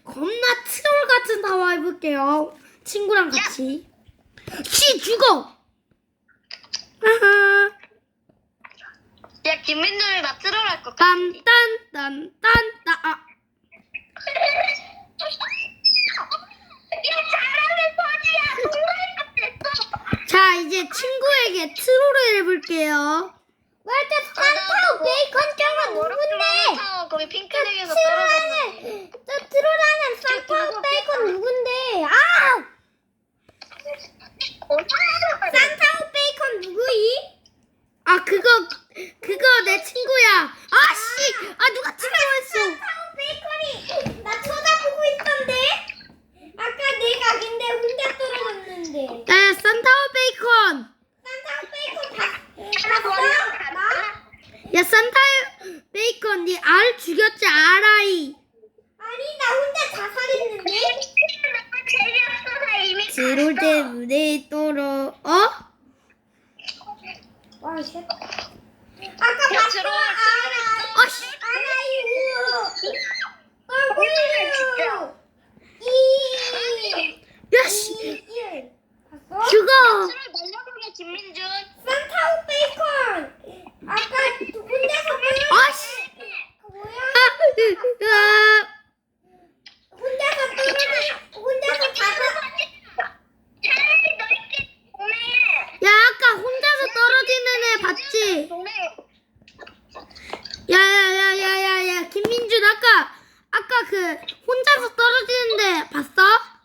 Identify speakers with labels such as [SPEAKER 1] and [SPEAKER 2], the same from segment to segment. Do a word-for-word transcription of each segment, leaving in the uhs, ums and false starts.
[SPEAKER 1] 겁나 트롤 같은 타워 해볼게요. 친구랑 같이. 씨 죽어. 하하.
[SPEAKER 2] 야, 김민준이 나 트롤할 것 같아.
[SPEAKER 1] 딴딴딴딴따. 아.
[SPEAKER 2] 야, 잘하는 거지야. 동물 같았어.
[SPEAKER 1] 자 이제 친구에게 트롤을 해볼게요.
[SPEAKER 3] 맞아, 산타오 베이컨 짱은 누군데?
[SPEAKER 2] 타워 거기 핑크색에서 떨어졌는데.
[SPEAKER 3] 저 트롤하는 산타오 베이컨 누군데? 아! 산타오 베이컨 누구이?
[SPEAKER 1] 아 그거 그거 내 친구야. 아씨. 아 누가 트롤했어.
[SPEAKER 3] 산타오 베이컨이 나 쳐다보고 있던데? 아까 내가 근데 혼자 떨어졌는데.
[SPEAKER 1] 야 산타오 베이컨.
[SPEAKER 3] 산타오 베이컨 다 봤어? 나?
[SPEAKER 1] 야 산타오 베이컨 니 알 죽였지 알아이.
[SPEAKER 3] 아니 나 혼자 자살했는데?
[SPEAKER 2] 재미없어서 이미
[SPEAKER 1] 트롤 때문에 떨어. 어?
[SPEAKER 3] 와 쉣. 아까
[SPEAKER 2] 야,
[SPEAKER 3] 봤어?
[SPEAKER 2] 트롤
[SPEAKER 3] 알아.
[SPEAKER 1] 아씨.
[SPEAKER 3] 알아요.
[SPEAKER 2] 진짜.
[SPEAKER 3] 어, 이.
[SPEAKER 1] 야씨.
[SPEAKER 3] 이. 봤어?
[SPEAKER 1] 죽어.
[SPEAKER 2] 트롤 날려보게 김민준.
[SPEAKER 3] 산타오 베이컨. 아까 혼자서
[SPEAKER 1] 아씨.
[SPEAKER 3] 뭐야?
[SPEAKER 1] 아,
[SPEAKER 3] 혼자서 떨어져. 혼자서 자살.
[SPEAKER 2] 차라리 너희끼리 동네에.
[SPEAKER 1] 야 아까 혼자서 떨어지는 애 봤지?
[SPEAKER 2] 동네.
[SPEAKER 1] 야야야야야야 김민준 아까 아까 그 혼자서 떨어지는데 봤어?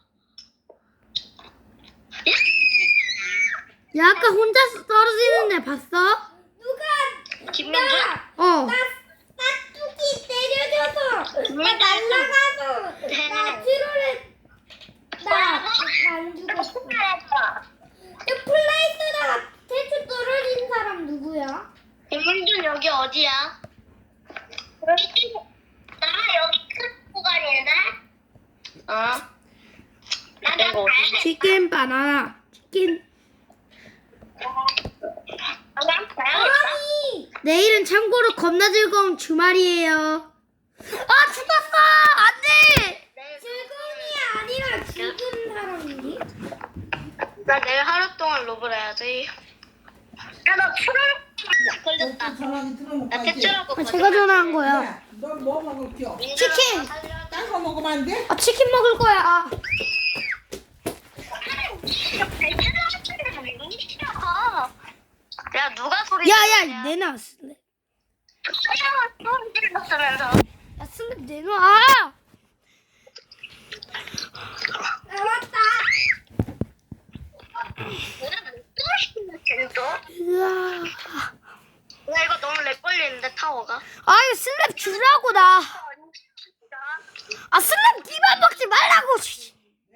[SPEAKER 1] 야 아까 혼자서 떨어지는데 봤어?
[SPEAKER 3] 누가
[SPEAKER 2] 김민준?
[SPEAKER 3] 나,
[SPEAKER 1] 어.
[SPEAKER 3] 나 뚜기 때려줘서 나
[SPEAKER 2] 누가
[SPEAKER 3] 날라가서 나 트롤을 나안 죽었어. 저 플레이스다가 대충 떨어진 사람 누구야?
[SPEAKER 2] 김민준 여기 어디야? 나 여기 큰 구간인데? 어? 나 여기 어디지?
[SPEAKER 1] 치킨 바나나 치킨.
[SPEAKER 3] 아니
[SPEAKER 1] 내일은 참고로 겁나 즐거운 주말이에요. 아 죽었어 안돼.
[SPEAKER 3] 즐거움이 아니라 죽은 사람이니?
[SPEAKER 2] 나 내일 하루 동안 로블 해야지. 야, 나 트롤 걸렸다.
[SPEAKER 4] 전화기 들어놓고
[SPEAKER 2] 나
[SPEAKER 4] 가지.
[SPEAKER 2] 퇴출하고
[SPEAKER 1] 아, 제가 전화한 거야.
[SPEAKER 4] 너뭐 먹을 겨?
[SPEAKER 1] 치킨.
[SPEAKER 4] 딴 거 먹으면 안 돼?
[SPEAKER 1] 아 치킨 먹을 거야. 아.
[SPEAKER 2] 야, 누가 소리
[SPEAKER 1] 야야 내놔 슬랩.
[SPEAKER 2] 소리 질렀으면서.
[SPEAKER 1] 야 슬랩 내놔. 아!
[SPEAKER 3] 나왔다.
[SPEAKER 1] 으아.
[SPEAKER 2] 나 이거 너무 렉 걸리는데 타워가.
[SPEAKER 1] 아유 슬랩 주라고 나. 아 슬랩 니만 먹지 말라고. 씨.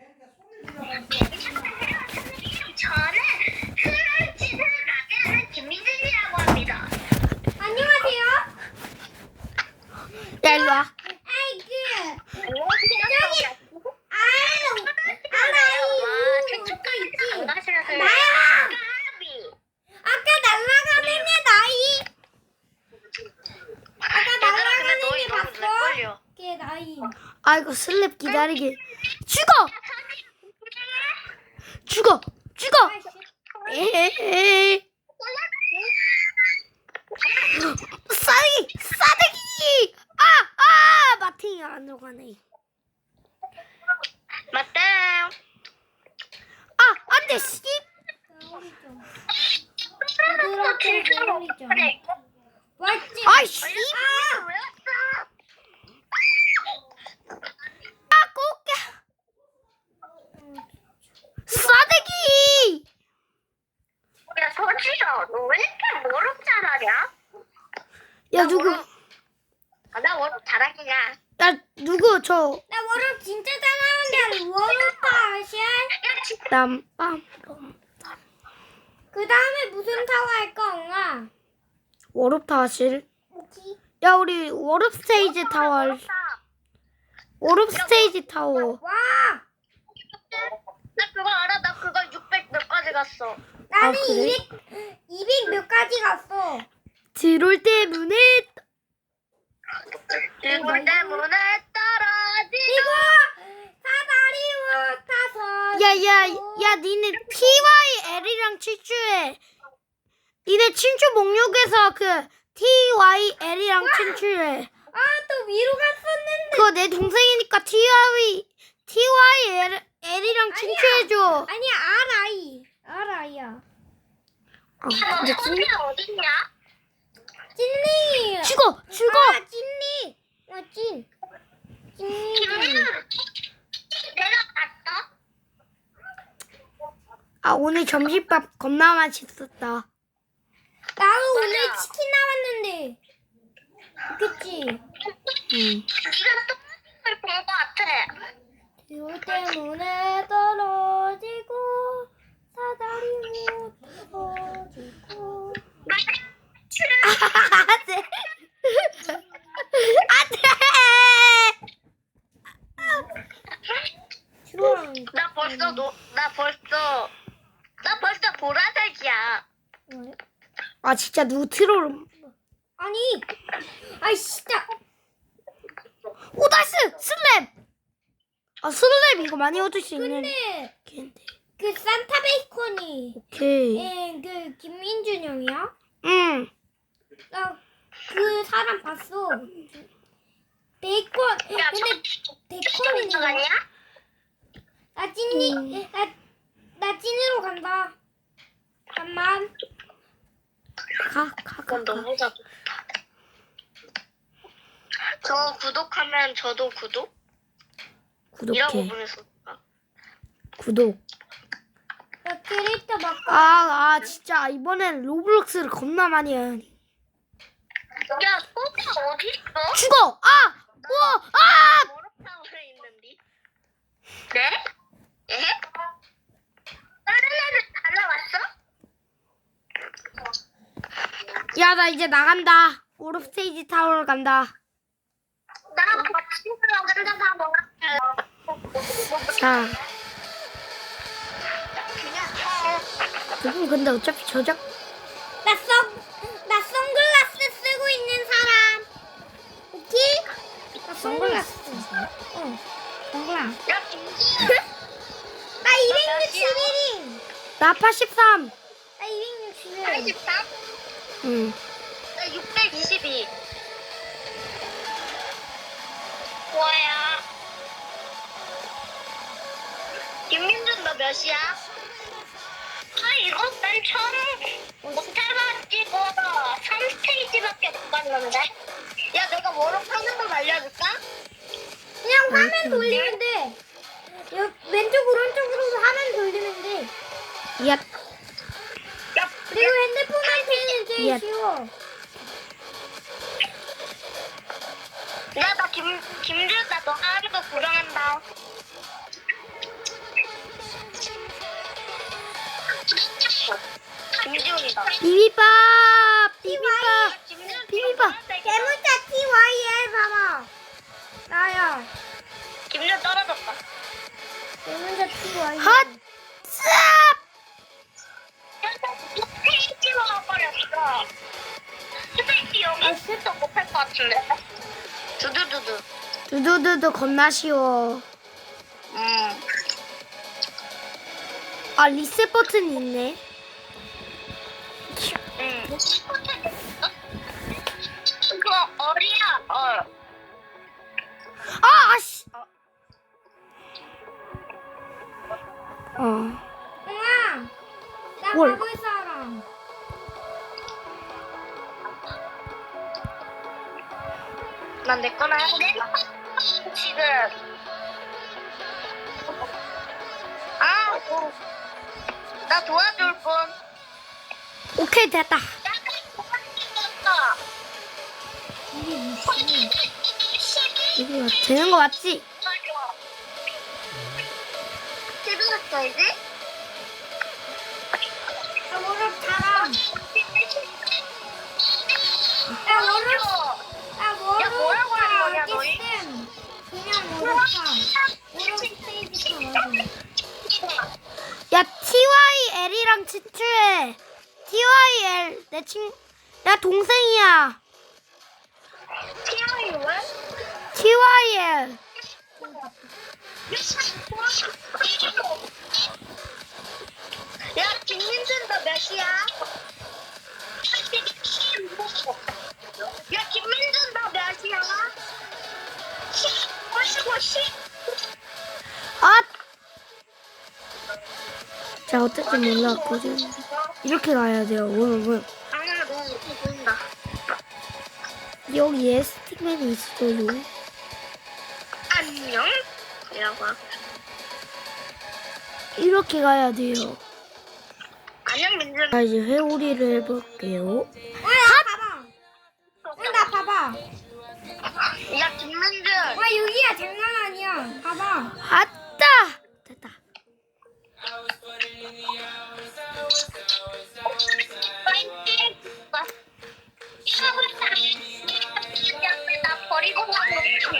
[SPEAKER 2] 저는 트롤짓을 나게 하는 김민준이라고 합니다.
[SPEAKER 3] 안녕하세요.
[SPEAKER 1] 야 일로 와.
[SPEAKER 3] 아이고.
[SPEAKER 2] 저기
[SPEAKER 3] 아유. 알아요. 또 있지. 나야. 아까 날아가는 애 나이. 아까 날아가는 애 봤어? 걔 나이.
[SPEAKER 1] 아이고 슬랩 기다리게. 죽어. 죽어. 죽어. 에헤헤. 싸대기. 싸대기. 아, 아, 마팅이 안 들어가네.
[SPEAKER 2] 맞다.
[SPEAKER 1] 아, 안 돼. 씨.
[SPEAKER 3] 그렇게 놀리죠. 맞지?
[SPEAKER 1] 아이씨.
[SPEAKER 3] 아!
[SPEAKER 1] 아, 꼬게. 싸대기.
[SPEAKER 2] 야, 서지야, 너 왜 이렇게 워럭 잘하냐?
[SPEAKER 1] 야, 누구?
[SPEAKER 2] 아, 나 워럭 잘하기냐?
[SPEAKER 1] 야, 누구? 저
[SPEAKER 3] 나 워럭 진짜 잘하는데 워럭 샷.
[SPEAKER 1] 땀빰.
[SPEAKER 3] 그 다음에 무슨 타워 할까, 엉아?
[SPEAKER 1] 워럽 타실.
[SPEAKER 3] 뭐지?
[SPEAKER 1] 야, 우리 워럽 스테이지 타워. 할- 워럽 스테이지 타워.
[SPEAKER 3] 와!
[SPEAKER 2] 나 그거 알아? 나 그거 육백 몇 가지 갔어.
[SPEAKER 3] 나는
[SPEAKER 1] 아, 그래?
[SPEAKER 3] 이백, 이백 몇 가지 갔어.
[SPEAKER 1] 트롤 때문에
[SPEAKER 2] 이걸 때문에 떨어지.
[SPEAKER 3] 이거
[SPEAKER 1] 야야 야 니네 티와이엘이랑 친추해. 니네 친추 목록에서 그 티와이엘이랑 친추해.
[SPEAKER 3] 아, 또 위로 갔었는데.
[SPEAKER 1] 그거 내 동생이니까 티와이 티와이엘이랑 친추해줘.
[SPEAKER 3] 아니야, 알아이. 알아이야.
[SPEAKER 1] 아,
[SPEAKER 2] 너
[SPEAKER 1] 근데
[SPEAKER 2] 소리 어딨냐?
[SPEAKER 3] 찐리.
[SPEAKER 1] 죽어 죽어.
[SPEAKER 3] 아, 찐리. 아, 찐. 찐리.
[SPEAKER 2] 김민우 내려갔어?
[SPEAKER 1] 아 오늘 점심밥 겁나 맛있었다.
[SPEAKER 3] 나도 오늘
[SPEAKER 2] 맞아.
[SPEAKER 3] 치킨 나왔는데. 그치?
[SPEAKER 1] 응.
[SPEAKER 2] 네가 똥을 본거 같아.
[SPEAKER 3] 비 때문에 떨어지고 사다리 못 터지고.
[SPEAKER 1] 안돼. 안돼.
[SPEAKER 3] 주랑.
[SPEAKER 2] 나 벌써 노, 나 벌써 나 벌써 보라색이야.
[SPEAKER 3] 뭐야?
[SPEAKER 1] 아 진짜 누구 트롤.
[SPEAKER 3] 아니, 아이 진짜.
[SPEAKER 1] 오 나이스 슬랩. 아 슬랩 이거 많이 얻을 수 있는.
[SPEAKER 3] 근데
[SPEAKER 1] 걔인데.
[SPEAKER 3] 그 산타 베이컨이
[SPEAKER 1] 오케이.
[SPEAKER 3] 예, 그 김민준 형이야?
[SPEAKER 1] 응.
[SPEAKER 3] 나 그 사람 봤어. 베이컨.
[SPEAKER 2] 야,
[SPEAKER 3] 근데
[SPEAKER 2] 저
[SPEAKER 3] 베이컨이
[SPEAKER 2] 들어가냐?
[SPEAKER 3] 나 찐이
[SPEAKER 1] 음.
[SPEAKER 3] 나, 나 찐으로 간다. 잠만.
[SPEAKER 1] 가 가 가.
[SPEAKER 2] 그건 너무 작다. 저 구독하면 저도 구독? 이라고
[SPEAKER 1] 구독해.
[SPEAKER 2] 보냈어.
[SPEAKER 1] 구독.
[SPEAKER 3] 나 캐릭터 막.
[SPEAKER 1] 아, 아 진짜 이번엔 로블록스를 겁나 많이 해.
[SPEAKER 2] 야, 소가 어디 있어?
[SPEAKER 1] 죽어. 아. 우와. 아.
[SPEAKER 2] 머럭탕을 있는데. 네? 예? 다른 애들 달라왔어?
[SPEAKER 1] 야 나 이제 나간다. 오르 스테이지 타워로 간다.
[SPEAKER 2] 나랑 같이 들어간다 다 먹었어.
[SPEAKER 1] 자.
[SPEAKER 2] 그냥 해.
[SPEAKER 1] 조금 근데 어차피 저작.
[SPEAKER 3] 나 선, 나 선글라스 쓰고 있는 사람. 오케이? 나 선글라스. 응. 선글라스.
[SPEAKER 2] 야, 김지.
[SPEAKER 3] 나 이백육십일 인.
[SPEAKER 1] 나 팔십삼.
[SPEAKER 3] 나 이백육십일.
[SPEAKER 2] 팔십삼?
[SPEAKER 1] 응.
[SPEAKER 2] 나 육백이십이. 뭐야? 김민준 너 몇이야? 아 이거 난 처음 못해가지고 삼 스테이지밖에 못 봤는데. 야 내가 뭐로 하는 거 알려줄까?
[SPEAKER 3] 그냥 화면 돌리면 돼. 여, 왼쪽 오른쪽으로 화면 돌리면 돼.
[SPEAKER 1] 야.
[SPEAKER 2] 야,
[SPEAKER 3] 그리고 핸드폰한테는 제일
[SPEAKER 1] 예.
[SPEAKER 3] 쉬워.
[SPEAKER 2] 야나 김 김준 나너 하는 거 구경한다. 김지훈이다.
[SPEAKER 1] 비비밥. 비비밥.
[SPEAKER 2] 김지훈
[SPEAKER 1] 비비밥.
[SPEAKER 3] 대문자 티와이엘 봐봐. 나야.
[SPEAKER 2] 김지훈 떨어졌다.
[SPEAKER 3] 대문자 티와이엘.
[SPEAKER 1] 핫. 쌉.
[SPEAKER 2] 스테이지로 가버렸어. 스테이지 여기 있어도 못할 것 같은데. 두두두두.
[SPEAKER 1] 두두두두 겁나 쉬워.
[SPEAKER 2] 음.
[SPEAKER 1] 아 리셋 버튼이 있네.
[SPEAKER 2] 응. 그거 어리야. 어.
[SPEAKER 1] 아 아씨. 어.
[SPEAKER 3] 응아. 나
[SPEAKER 1] 뭘?
[SPEAKER 3] 가볼 사람.
[SPEAKER 2] 난 내 거나 해볼게. 지금. 아, 뭐. 나 도와줄 분.
[SPEAKER 1] 오케이 됐다. 이거 되는 거 맞지?
[SPEAKER 2] 재밌었어 이제?
[SPEAKER 3] 나 워럭 사람. 나 워럭. 나
[SPEAKER 2] 야, 뭐라고 하는 거냐, 너희?
[SPEAKER 3] 어딨음. 그냥 워럭 사. 워럭 스테이지 타.
[SPEAKER 1] 야 티와이엘이랑 친추해. 티와이엘 내 친, 야 동생이야.
[SPEAKER 2] 티아이 왜?
[SPEAKER 1] 티와이엘.
[SPEAKER 2] 야, 김민준 너 몇이야? 야, 김민준 너 몇이야? 십, 오십오, 십.
[SPEAKER 1] 아! 자, 어쨌든 몰랐거든. 이렇게 가야 돼요, 여러분.
[SPEAKER 2] 아, 너무 보인다.
[SPEAKER 1] 여기에 스틱맨이 있어요.
[SPEAKER 2] 안녕? 이라고 하고.
[SPEAKER 1] 이렇게 가야 돼요.
[SPEAKER 2] 안녕, 민준.
[SPEAKER 1] 자, 이제 회오리를 해볼게요.
[SPEAKER 3] 와, 봐봐. 어, 나 봐봐.
[SPEAKER 2] 야, 김민준.
[SPEAKER 3] 와, 여기야 장난 아니야. 봐봐.
[SPEAKER 1] 아따! 됐다.
[SPEAKER 2] 나 버리고 가는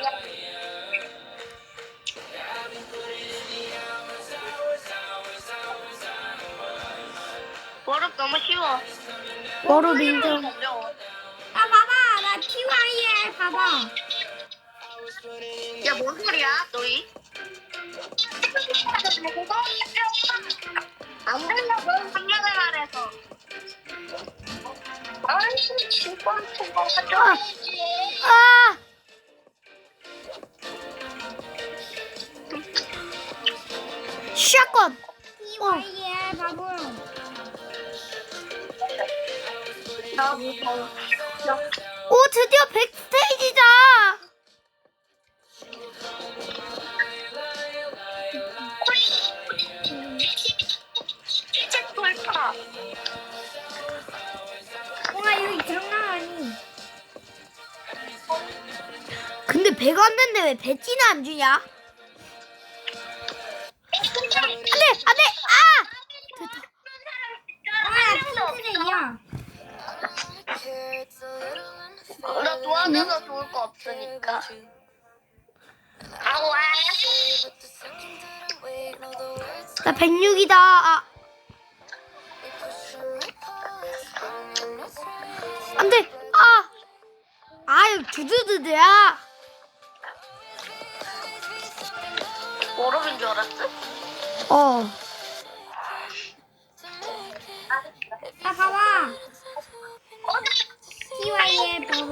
[SPEAKER 2] 버릇 너무 쉬워.
[SPEAKER 1] 워로 인정.
[SPEAKER 3] 아, 봐봐. 나 티와이엘 봐봐.
[SPEAKER 2] 야, 뭔 소리야, 너희? 안 된다고, 한마디 말해서. 아니, 진짜 저거 가져야지.
[SPEAKER 1] 아! 샷건!
[SPEAKER 3] 티와이엘 바보야.
[SPEAKER 2] 나 무서워.
[SPEAKER 1] 오, 드디어 백 스테이지다!
[SPEAKER 2] 이제 돌파.
[SPEAKER 3] 와, 여기 장난 아니.
[SPEAKER 1] 근데 배가 안 된대 왜 배지는 안 주냐? 안 돼! 안 돼! 아! 됐다.
[SPEAKER 3] 와, 나 핑크색이야.
[SPEAKER 2] 나 도와줘서 좋을 거 없으니까. 아와.
[SPEAKER 1] 나 백육이다. 아. 안 돼! 아! 아유, 두두두두야!
[SPEAKER 2] 모르는 줄 알았어?
[SPEAKER 1] 어.